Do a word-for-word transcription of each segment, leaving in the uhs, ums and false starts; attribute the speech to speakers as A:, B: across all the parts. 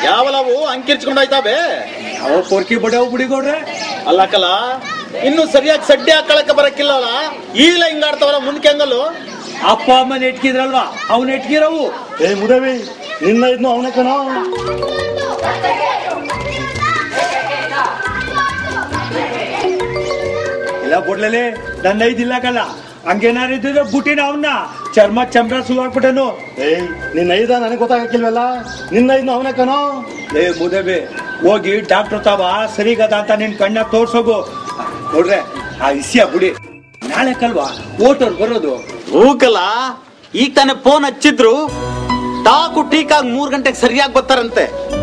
A: ಯಾವಲವು ಅಂಕಿರ್ಚ್ಕೊಂಡಾಯ್ತಾವೆ
B: ಅವ ಪೊರ್ಕಿ ಬಡವ್ ಬಿಡಿಗೌಡ್ರೆ
A: ಅಲ್ಲಕ್ಕಲ್ಲ ಇನ್ನು ಸರಿಯಾಗಿ ಸಡ್ಡೆ ಹಾಕೊಳಕ್ಕೆ ಬರಕ್ಕಿಲ್ಲಲ್ಲ ಈಗಲ ಹಿಂಗಾಡ್ತಾವಲ್ಲ ಮುಂದಕ್ಕೆ ಹಂಗಲ್ಲು
B: ಅಪ್ಪ ಅಮ್ಮ ನೆಟ್ಕಿದ್ರಲ್ವಾ ಅವ್ನ ನೆಟ್ಕಿರವು.
C: ಏ ಮುದವಿ ನಿನ್ನ ಇದ್ನು ಅವನೇ ಕಣ.
B: ಇಲ್ಲ ಬೊಡ್ಲಲ್ಲಿ ನನ್ನ ಐದಿಲ್ಲ ಕಲ್ಲ ಹಂಗೇನಾರಿದ್ರೆ ಬುಟ್ಟಿನ ಅವನ್ನ ಚರ್ಮ ಚಂಬ್ರ ಸುವಾಕ್ಬಿಟ್ಟನು.
C: ಏಯ್ ನಿನ್ನ ಐದ ನನಗೆ ಗೊತ್ತಾಗಕ್ಕಿಲ್ವಲ್ಲ, ನಿನ್ನ ಐದ್ನು ಅವನೇ ಕಣೋ.
B: ಏ ಮುದಬೆ ಹೋಗಿ ಡಾಕ್ಟರ್ ತಾವ ಸರಿಗದ ಅಂತ ನಿನ್ ಕಣ್ಣ ತೋರ್ಸೋಗು. ನೋಡ್ರೆ ಆ ಇಸಿಯ ಬುಡಿ ನಾಳೆ ಕಲ್ವಾ ಓಟೋರ್ ಬರೋದು.
A: ಹೂಕಲ್ಲ ಈಗ ತಾನೇ ಫೋನ್ ಹಚ್ಚಿದ್ರು ಟಾಕು ಟೀಕಾಗ್ ಮೂರ್ ಗಂಟೆಗೆ ಸರಿಯಾಗಿ ಬರ್ತಾರಂತೆ.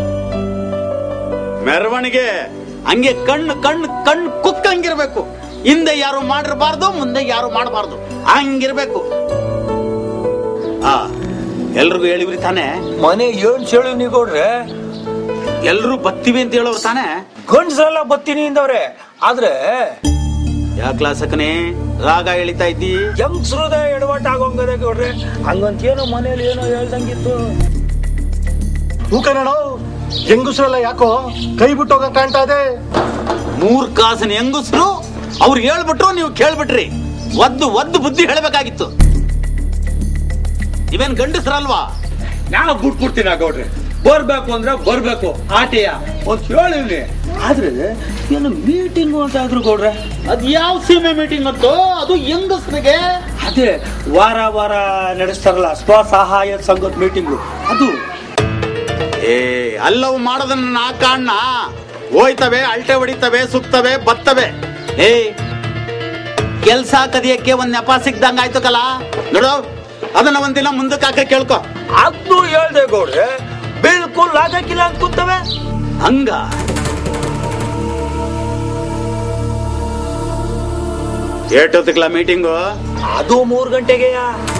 A: ಮೆರವಣಿಗೆ ಹಂಗೆ ಕಣ್ಣು ಕಣ್ಣು ಕಣ್ಣು ಕುಕ್ಕಂಗಿರ್ಬೇಕು. ಹಿಂದೆ ಯಾರು ಮಾಡಿರಬಾರ್ದು, ಮುಂದೆ ಯಾರು ಮಾಡಬಾರ್ದು, ಹಂಗಿರ್ಬೇಕು. ಆ ಎಲ್ರಿಗೂ ಹೇಳಿವ್ರಿ ತಾನೆ?
B: ಮನೆ ಏನ್ ಹೇಳಿ ನೀಗೋಡ್ರೆ
A: ಎಲ್ರು ಬತ್ತೀವಿ ಅಂತ ಹೇಳೋರು ತಾನೆ?
B: ಗಂಡ್ಸಲ್ಲ ಬತ್ತೀನಿ ಇಂದವ್ರೆ. ಆದ್ರೆ
A: ಯಾ ಕ್ಲಾಸಕನೇ ರಾಗ ಎಳಿತಾ ಇದ್ದಿ?
B: ಯಂಗ್ಸ್ರದ ಎಡವಟ್ ಆಗೋಂಗದೆ ಗೌಡ್ರೆ. ಹಂಗಂತ ಏನೋ ಮನೇಲಿ ಏನೋ ಹೇಳ್ದಂಗಿತ್ತು.
C: ಹೂಕನೋ ಹೆಂಗುಸ್ರಲ್ಲ ಯಾಕೋ ಕೈ ಬಿಟ್ಟೋಗ ಕಾಣ್ತಾ ಇದೆ.
A: ಮೂರ್ ಕಾಸಿನ ಹೆಂಗುಸ್ರು ಅವ್ರು ಹೇಳ್ಬಿಟ್ರು, ನೀವು ಕೇಳ್ಬಿಟ್ರಿ. ಒದ್ದು ಒದ್ದು ಬುದ್ಧಿ ಹೇಳ್ಬೇಕಾಗಿತ್ತು. ಇವೇನ್ ಗಂಡಸ್ರಲ್ವಾ?
B: ನಾವು ಬಿಟ್ಬಿಡ್ತೀನಿ ಗೌಡ್ರೆ. ಬರ್ಬೇಕು ಅಂದ್ರೆ ಬರ್ಬೇಕು ಆಟೆಯ ಒಂದ್ ಹೇಳಿವ್ನಿ. ಆದ್ರೆ ಏನು ಮೀಟಿಂಗ್ ಅಂತ ಆದ್ರು ಗೌಡ್ರೆ.
A: ಅದ್ ಯಾವ ಸೀಮೆ ಮೀಟಿಂಗ್ ಅಂತೋ? ಅದು ಹೆಂಗಸ್ರಿಗೆ
B: ಅದೇ ವಾರ ವಾರ ನಡೆಸ್ತಾರಲ್ಲ ಸ್ವಸಹಾಯ ಸಂಘದ ಮೀಟಿಂಗು ಅದು.
A: ಏ ಅಲ್ಲವು ಮಾಡೋದನ್ನ ನಾ ಕಾಣ್ಣ. ಹೋಯ್ತವೆ, ಅಲ್ಟೆ ಹೊಡಿತವೆ, ಸುತ್ತವೆ, ಬತ್ತವೆ. ಏ ಕೆಲ್ಸ ಕದಿಯಕ್ಕೆ ಒಂದ್ ನೆಪ ಸಿಕ್ದಂಗ ಆಯ್ತು ಕಲ. ನೋಡು ಅದನ್ನ ಒಂದಿನ ಮುಂದಕ್ಕೆ ಹಾಕ ಕೇಳ್ಕೊ.
B: ಅದು ಹೇಳ್ದೆ ಗೌಡ್ರೆ, ಬಿಲ್ಕುಲ್ ಆಗಕ್ಕಿಲ್ಲ ಅಂತ ಕೂತವೆ.
A: ಹಂಗ ಏಟೊತ್ತಿಗ್ಲ ಮೀಟಿಂಗು?
B: ಅದು ಮೂರ್ ಗಂಟೆಗೆಯ.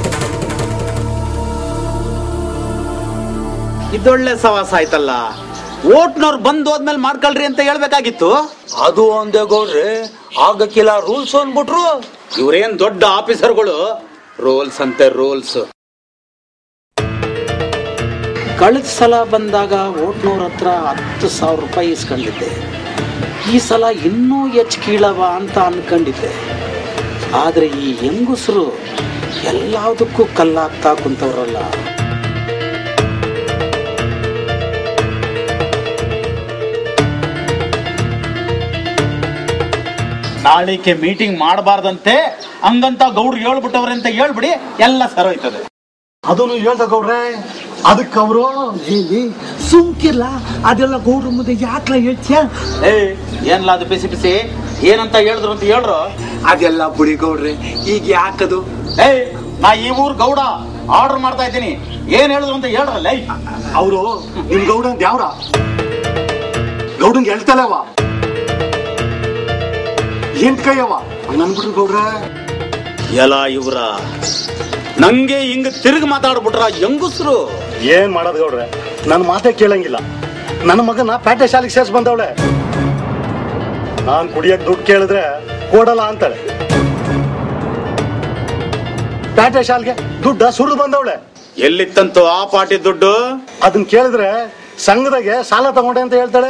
A: ಇದೊಳ್ಳೆ ಸವಾಸ ಆಯ್ತಲ್ಲ. ಓಟ್ನವ್ರು ಬಂದು ಹೋದ್ಮೇಲೆ ಮಾಡ್ಕೊಳ್ರಿ ಅಂತ ಹೇಳ್ಬೇಕಾಗಿತ್ತು.
B: ಅದು ಒಂದೇ ಗೌಡ್ರೆ, ಆಗಕ್ಕಿಲ್ಲ ರೂಲ್ಸ್ ಅಂದ್ಬಿಟ್ರು.
A: ಇವ್ರೇನ್ ದೊಡ್ಡ ಆಫೀಸರ್ಗಳು, ರೂಲ್ಸ್ ಅಂತೆ ರೂಲ್ಸ್. ಕಳೆದ ಸಲ ಬಂದಾಗ ಓಟ್ನವ್ರ ಹತ್ರ ಹತ್ತು ಸಾವಿರ ರೂಪಾಯಿ ಇಸ್ಕೊಂಡಿದ್ದೆ. ಈ ಸಲ ಇನ್ನೂ ಹೆಚ್ಚು ಕೀಳವ ಅಂತ ಅನ್ಕೊಂಡಿದ್ದೆ. ಆದ್ರೆ ಈ ಹೆಂಗುಸರು ಎಲ್ಲದಕ್ಕೂ ಕಲ್ಲಾಗ್ತಾ ಕುಂತವ್ರಲ್ಲ. ನಾಳಿಕೆ ಮೀಟಿಂಗ್ ಮಾಡಬಾರ್ದಂತೆ ಹಂಗಂತ ಗೌಡ್ರು ಹೇಳ್ಬಿಟ್ಟವ್ರೆ ಅಂತ ಹೇಳ್ಬಿಡಿ, ಎಲ್ಲ ಸರೋಯ್ತದೆ.
C: ಅದನ್ನು ಹೇಳ್ದ ಗೌಡ್ರೆ. ಅದಕ್ಕೆ ಅವರು
B: ಸುಮ್ಕಿಲ್ಲ, ಅದೆಲ್ಲ ಗೌಡ್ರ ಮುಂದೆ ಯಾಕ್ಲ ಹೇಳ್ತೀಯ?
A: ಏ ಏನ್ಲ ಅದು ಬಿಸಿ ಬಿಸಿ ಏನಂತ ಹೇಳಿದ್ರು ಅಂತ ಹೇಳ್ರು.
B: ಅದೆಲ್ಲ ಬುಡಿ ಗೌಡ್ರೆ, ಈಗ ಯಾಕದು?
A: ಏ ನಾ ಈ ಊರ್ ಗೌಡ ಆರ್ಡರ್ ಮಾಡ್ತಾ ಇದ್ದೀನಿ, ಏನ್ ಹೇಳಿದ್ರು ಅಂತ ಹೇಳ್ರಲ್ಲ.
C: ಅವರು ನಿಮ್ ಗೌಡ ಅಂತ ಯಾವ್ರ ಗೌಡಂಗೆ ಹೇಳ್ತಲ್ಲವ ಎಂಟ್ ಕೈಯವ ನನ್ಬಿಟ್ರು ಗೌಡ್ರೆ.
A: ಎಲ್ಲ ಇವ್ರ ನಂಗೆ ಹಿಂಗ ತಿರುಗಿ ಮಾತಾಡ್ಬಿಟ್ರ ಹೆಂಗುಸ್ರು.
C: ಏನ್ ಮಾಡೋದ್ ಗೌಡ್ರೆ, ನನ್ ಮಾತೇ ಕೇಳಂಗಿಲ್ಲ. ನನ್ನ ಮಗನ ಪ್ಯಾಟೆ ಶಾಲೆಗೆ ಸೇರ್ಸ್ ಬಂದವಳೆ. ನಾನ್ ಕುಡಿಯಕ್ ದುಡ್ಡು ಕೇಳಿದ್ರೆ ಕೊಡಲ್ಲ ಅಂತಾಳೆ. ಪ್ಯಾಟೆ ಶಾಲೆಗೆ ದುಡ್ಡ ಸುರಿದು ಬಂದವಳೆ.
A: ಎಲ್ಲಿತ್ತಂತೂ ಆ ಪಾಟಿ ದುಡ್ಡು?
C: ಅದನ್ನ ಕೇಳಿದ್ರೆ ಸಂಘದಾಗೆ ಸಾಲ ತಗೊಂಡೆ ಅಂತ ಹೇಳ್ತಾಳೆ.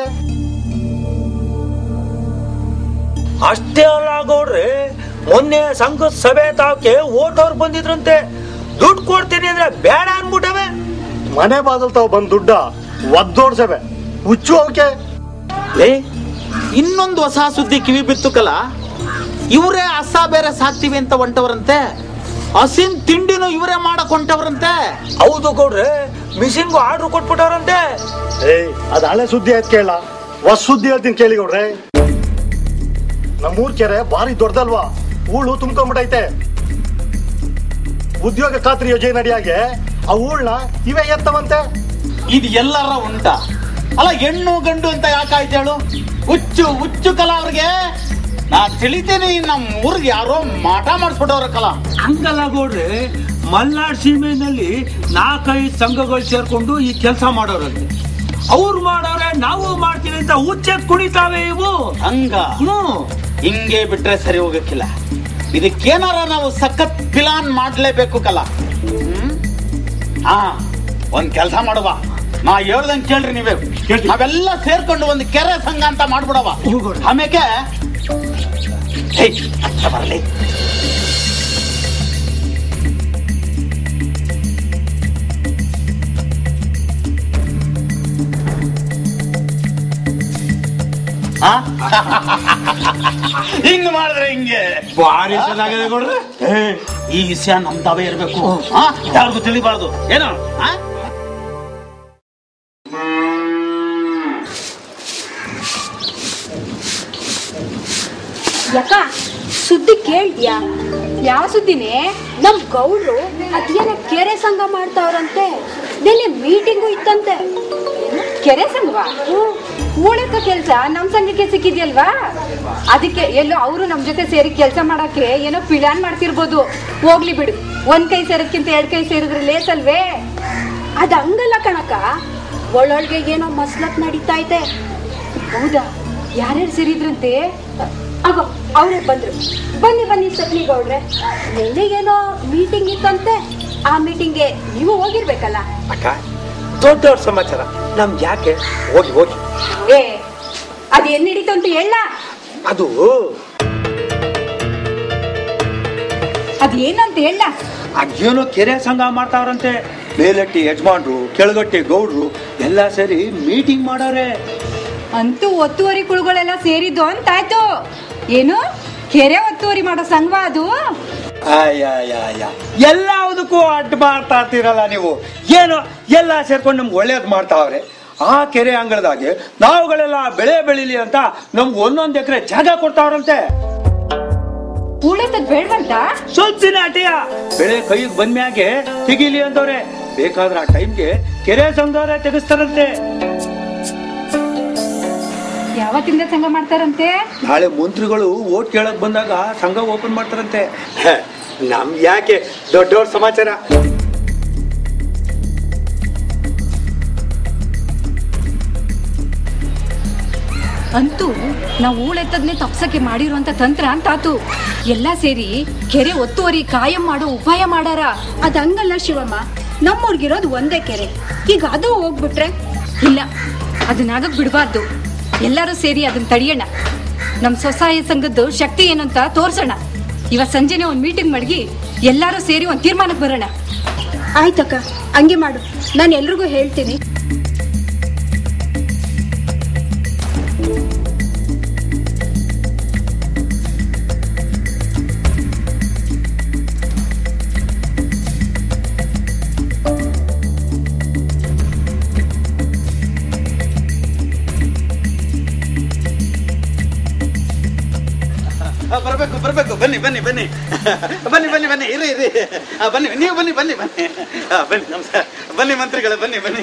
B: ಅಷ್ಟೇ ಅಲ್ಲ ಗೌಡ್ರೆ, ಮೊನ್ನೆ ಸಂಘದ ಸಭೆ ತಾವಕ್ಕೆ ಓಟೋರ್ ಬಂದಿದ್ರಂತೆ. ದುಡ್ಡು ಕೊಡ್ತೀನಿ ಅಂದ್ರೆ ಬೇಡ ಅನ್ಬಿಟ್ಟವೆ.
C: ಮನೆ ಬಾದಲ್ ತಾವ್ ಬಂದ್ ದುಡ್ಡ ಒದ್ದೋಡ್ಸವೆ ಹುಚ್ಚು ಅವಕ್ಕೆ.
A: ಏ ಇನ್ನೊಂದು ಹೊಸ ಸುದ್ದಿ ಕಿವಿ ಬಿತ್ತು ಕಲ. ಇವರೇ ಹಸ ಬೇರೆ ಸಾಕ್ತಿವಿ ಅಂತ ಹೊಂಟವ್ರಂತೆ. ಹಸಿನ್ ತಿಂಡಿನೂ ಇವರೇ ಮಾಡಕ್ ಹೊಂಟವ್ರಂತೆ.
B: ಹೌದು ಗೌಡ್ರೆ, ಮಿಷಿನ್ಗೂ ಆರ್ಡರ್ ಕೊಟ್ಬಿಟ್ಟವ್ರಂತೆ.
C: ಏಯ್ ಅದ್ ಹಳೆ ಸುದ್ದಿ ಆಯ್ತು ಕೇಳ, ಹೊಸ ಸುದ್ದಿ ಹೇಳ್ತೀನಿ ಕೇಳಿ ಗೌಡ್ರೆ. ನಮ್ಮೂರ್ ಕೆರೆ ಭಾರಿ ದೊಡ್ಡದಲ್ವಾ, ಹೂಳು ತುಂಬ್ಕೊಂಡ್ಬಿಟ್ಟೈತೆ. ಉದ್ಯೋಗ ಖಾತ್ರಿ ಯೋಜನೆ ನಡಿಯಾಗೆ ಆ ಹೂಳ್ನ ಇವೇ ಎತ್ತವಂತೆ.
A: ಇದು ಎಲ್ಲರ ಉಂಟ ಅಲ್ಲ, ಹೆಣ್ಣು ಗಂಡು ಅಂತ ಯಾಕಾಯ್ತು ಹೇಳು? ಹುಚ್ಚು ಹುಚ್ಚು ಕಲ ಅವ್ರಿಗೆ. ನಾ ತಿಳಿತೇನೆ, ನಮ್ಮ ಊರಿಗೆ ಯಾರೋ ಮಾಟ ಮಾಡಿಸ್ಬಿಟ್ಟವ್ರ ಕಲ.
B: ಹಂಗಲ್ಲ ಗೌಡ್ರೆ, ಮಲ್ನಾಡ್ ಸೀಮೆನಲ್ಲಿ ನಾಲ್ಕೈದು ಸಂಘಗಳು ಸೇರ್ಕೊಂಡು ಈ ಕೆಲಸ ಮಾಡೋರಂತೆ. ಅವ್ರು ಮಾಡೋರೆ ನಾವು ಮಾಡ್ತೀವಿ ಅಂತ ಹುಚ್ಚೆತ್ ಕುಣಿತಾವೆ ಇವು.
A: ಹಂಗ
B: ಹ್ಮ್
A: ಹಿಂಗೆ ಬಿಟ್ರೆ ಸರಿ ಹೋಗಕ್ಕಿಲ್ಲ. ಇದಕ್ಕೇನಾರ ನಾವು ಸಖತ್ ಪ್ಲಾನ್ ಮಾಡ್ಲೇಬೇಕು ಕಲ. ಹ್ಮ್ ಹಾ ಒಂದ್ ಕೆಲಸ ಮಾಡುವ, ನಾ ಹೇಳ್ದಂಗೆ ಕೇಳ್ರಿ ನೀವೇ. ನಾವೆಲ್ಲ ಸೇರ್ಕೊಂಡು ಒಂದು ಕೆರೆ ಸಂಘ ಅಂತ ಮಾಡ್ಬಿಡವ. ಆಮೇಲೆ ಬರಲಿ ಹಿಂಗ್ ಮಾಡಿದ್ರೆ ಹಿಂಗೆ
B: ಭಾರಿ ಚೆನ್ನಾಗಿದೆ ನೋಡ್ರಿ.
A: ಈ ವಿಷಯ ನಮ್ದಾವೇ ಇರ್ಬೇಕು, ಯಾರಿಗೂ ತಿಳಿಬಾರ್ದು ಏನೋ.
D: ಯಾಕ ಸುದ್ದಿ ಕೇಳ್ದ್ಯಾ? ಯಾವ ಸುದ್ದಿನೇ? ನಮ್ ಗೌಡ್ರು ಅದೇನ ಕೆರೆ ಸಂಘ ಮಾಡ್ತಾವ್ರಂತೆ. ನೆನ್ನೆ ಮೀಟಿಂಗು ಇತ್ತಂತೆ. ಕೆರೆ ಸಂಘವಾ? ಊಳಕ್ಕ ಕೆಲ್ಸ ನಮ್ ಸಂಘಕ್ಕೆ ಸಿಕ್ಕಿದ್ಯಲ್ವಾ, ಅದಕ್ಕೆ ಎಲ್ಲೋ ಅವರು ನಮ್ ಜೊತೆ ಸೇರಿ ಕೆಲ್ಸ ಮಾಡಕ್ಕೆ ಏನೋ ಪ್ಲಾನ್ ಮಾಡ್ತಿರ್ಬೋದು. ಹೋಗ್ಲಿ ಬಿಡು, ಒಂದ್ ಕೈ ಸೇರೋದ್ಕಿಂತ ಎರಡ್ ಕೈ ಸೇರಿದ್ರೆ ಲೇಸಲ್ವೇ? ಅದ ಹಂಗಲ್ಲ ಕಣಕ, ಒಳ್ಳೊಳ್ಗೆ ಏನೋ ಮಸ್ಲತ್ ನಡೀತಾ ಐತೆ. ಹೌದಾ? ಯಾರ್ಯಾರು ಸೇರಿದ್ರಂತೆ? ಆಗ ಅವರೇ ಬಂದ್ರು. ಬನ್ನಿ ಬನ್ನಿ ಸತ್ನಿ ಗೌಡ್ರೆ, ನೆನ್ನೆಗೇನೋ ಮೀಟಿಂಗ್ ಇತ್ತಂತೆ. ಆ ಮೀಟಿಂಗ್ಗೆ ನೀವು ಹೋಗಿರ್ಬೇಕಲ್ಲ.
B: ಅಕ್ಕ, ದೊಡ್ಡವ್ರ ಸಮಾಚಾರ ನಮ್ಗೆ ಯಾಕೆ? ಹೋಗಿ ಹೋಗಿ.
D: ಏ ಅದ್ ಏನ್ ನಡೀತು ಅಂತ ಹೇಳ.
B: ಅದು
D: ಅದೇನಂತ ಹೇಳ.
B: ಅದೇನೋ ಕೆರೆ ಸಂಘ ಮಾಡ್ತಾವ್ರಂತೆ. ಮೇಲಟ್ಟಿ ಯಜಮಾನ್ರು, ಕೆಳಗಟ್ಟಿ ಗೌಡ್ರು ಎಲ್ಲ ಸೇರಿ ಮೀಟಿಂಗ್ ಮಾಡೋರೆ.
D: ಅಂತೂ ಒತ್ತುವರಿ ಕುಳುಗಳೆಲ್ಲ ಸೇರಿದ್ದು ಅಂತಾಯ್ತು. ಏನು ಕೆರೆ ಒತ್ತುವರಿ ಮಾಡೋ ಸಂಘ ಅದು?
B: ಅಯ್ಯ ಎಲ್ಲದಕ್ಕೂ ಅಡ್ಡ ಮಾಡ್ತಾ ಇರ್ತೀರಲ್ಲ ನೀವು. ಏನು ಎಲ್ಲ ಸೇರ್ಕೊಂಡು ನಮ್ಗೆ ಒಳ್ಳೇದ್ ಮಾಡ್ತಾವ್ರೆ. ಆ ಕೆರೆ ಅಂಗಳದಾಗೆ ನಾವುಗಳೆಲ್ಲ ಬೆಳೆ ಬೆಳಿಲಿ ಅಂತ ನಮ್ಗೆ ಒಂದೊಂದ್ ಎಕರೆ ಜಾಗ ಕೊಡ್ತಾವ್ರಂತೆ.
D: ಉಳಿತದ್ ಬೇಡವಂತ
B: ಸ್ವಲ್ಪ ದಿನ ಅಟಿಯ ಬೆಳೆ ಕೈಗೆ ಬಂದ್ಮ್ಯಾಗೆ ತೆಗಿಲಿ ಅಂತವ್ರೆ. ಬೇಕಾದ್ರೆ ಆ ಟೈಮ್ಗೆ ಕೆರೆ ಸಂಘದವ್ರೆ ತೆಗಿಸ್ತಾರಂತೆ.
D: ಯಾವತ್ತಿಂದ ಸಂಘ ಮಾಡ್ತಾರಂತೆ?
B: ನಾಳೆ ಮಂತ್ರಿಗಳು ಓಟ್ ಕೇಳಕ್ ಬಂದಾಗ ಸಂಘ ಓಪನ್ ಮಾಡ್ತಾರಂತೆ. ನಮ್ಗೆ ಯಾಕೆ ದೊಡ್ಡವ್ರ ಸಮಾಚಾರ.
D: ಅಂತೂ ನಾವು ಊಳೆತ್ತದ್ನೇ ತಪ್ಸಕ್ಕೆ ಮಾಡಿರುವಂತ ತಂತ್ರ ಅಂತಾತು. ಎಲ್ಲಾ ಸೇರಿ ಕೆರೆ ಒತ್ತುವರಿ ಕಾಯಂ ಮಾಡೋ ಉಪಾಯ ಮಾಡಾರ. ಅದ್ ಹಂಗಲ್ಲ ಶಿವಮ್ಮ, ನಮ್ಮೂರ್ಗಿರೋದು ಒಂದೇ ಕೆರೆ. ಈಗ ಅದು ಹೋಗ್ಬಿಟ್ರೆ ಇಲ್ಲ, ಅದನ್ನಾಗಕ್ ಬಿಡಬಾರ್ದು. ಎಲ್ಲರೂ ಸೇರಿ ಅದನ್ನ ತಡಿಯೋಣ. ನಮ್ ಸ್ವಸಹಾಯ ಸಂಘದ್ದು ಶಕ್ತಿ ಏನಂತ ತೋರ್ಸೋಣ. ಇವತ್ ಸಂಜೆನೆ ಒಂದ್ ಮೀಟಿಂಗ್ ಮಾಡಿ ಎಲ್ಲಾರು ಸೇರಿ ಒಂದ್ ತೀರ್ಮಾನಕ್ಕೆ ಬರೋಣ. ಆಯ್ತಕ್ಕ, ಹಂಗೆ ಮಾಡು. ನಾನು ಎಲ್ರಿಗೂ ಹೇಳ್ತೀನಿ.
A: ಬರ್ಬೇಕು ಬರ್ಬೇಕು ಬನ್ನಿ ಬನ್ನಿ ಬನ್ನಿ ಬನ್ನಿ ಬನ್ನಿ ಬನ್ನಿ ಇರಿ ಇರಿ ಬನ್ನಿ ನೀವು ಬನ್ನಿ ಬನ್ನಿ ಬನ್ನಿ ಬನ್ನಿ ನಮಸ್ಕಾರ. ಬನ್ನಿ ಮಂತ್ರಿಗಳೇ ಬನ್ನಿ ಬನ್ನಿ.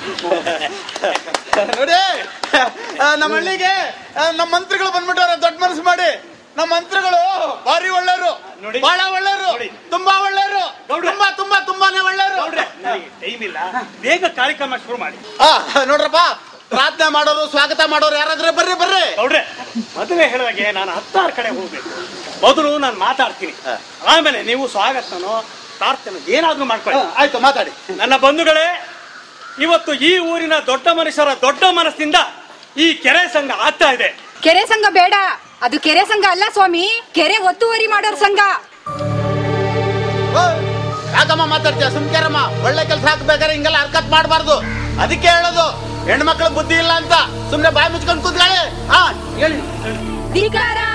A: ನೋಡಿ ನಮ್ಮ ಹಳ್ಳಿಗೆ ನಮ್ಮ ಮಂತ್ರಿಗಳು ಬಂದ್ಬಿಟ್ಟವ್ರೆ. ದೊಡ್ಡ ಮನಸ್ಸು ಮಾಡಿ. ನಮ್ಮ ಮಂತ್ರಿಗಳು ಭಾರಿ ಒಳ್ಳೆಯವರು, ಬಹಳ ಒಳ್ಳೆಯವರು, ತುಂಬಾ ಒಳ್ಳೆಯವರು, ತುಂಬಾ ತುಂಬಾ ತುಂಬಾನೇ ಒಳ್ಳೆಯವರು.
B: ಟೈಮ್ ಇಲ್ಲ, ಬೇಗ ಕಾರ್ಯಕ್ರಮ ಶುರು ಮಾಡಿ.
A: ನೋಡ್ರಪ್ಪ, ಪ್ರಾರ್ಥನೆ ಮಾಡೋರು ಸ್ವಾಗತ ಮಾಡೋರು ಯಾರಾದ್ರೆ ಬರ್ರಿ ಬರ್ರಿ.
B: ನೋಡ್ರೆ, ಮೊದಲೇ ಹೇಳಿದಾಗೆ ನಾನು ಹತ್ತಾರು ಕಡೆ ಹೋಗ್ಬೇಕು. ಮೊದಲು ನಾನು ಮಾತಾಡ್ತೀನಿ, ಆಮೇಲೆ ನೀವು ಸ್ವಾಗತನೋ ಪ್ರಾರ್ಥನೆ ಏನಾದ್ರೂ ಮಾಡ್ಕೊಳ್ಳಿ.
A: ಆಯ್ತು, ಮಾತಾಡಿ.
B: ನನ್ನ ಬಂಧುಗಳೇ, ಇವತ್ತು ಈ ಊರಿನ ದೊಡ್ಡ ಮನುಷ್ಯರ ದೊಡ್ಡ ಮನಸ್ಸಿಂದ ಈ ಕೆರೆ ಸಂಘ ಆಗ್ತಾ ಇದೆ.
D: ಕೆರೆ ಸಂಘ ಬೇಡ, ಅದು ಕೆರೆ ಸಂಘ ಅಲ್ಲ ಸ್ವಾಮಿ, ಕೆರೆ ಒತ್ತುವರಿ ಮಾಡೋರ್ ಸಂಘ.
A: ಯಾಕಮ್ಮ ಮಾತಾಡ್ತೀಯ? ಸುಮ್ಕೇರಮ್ಮ. ಒಳ್ಳೆ ಕೆಲಸ ಹಾಕ್ಬೇಕಾದ್ರೆ ಹಿಂಗೆಲ್ಲ ಹರ್ಕತ್ ಮಾಡಬಾರ್ದು. ಅದಕ್ಕೆ ಹೇಳೋದು, ಹೆಣ್ಮಕ್ಳು ಬುದ್ಧಿ ಇಲ್ಲ ಅಂತ. ಸುಮ್ನೆ ಬಾಯಿ ಮುಚ್ಕೊಂಡು ಕೂತ್ಕೊಳ್ಳಿ. ಹಾ ಹೇಳಿ.
D: ಧಿಕ್ಕಾರ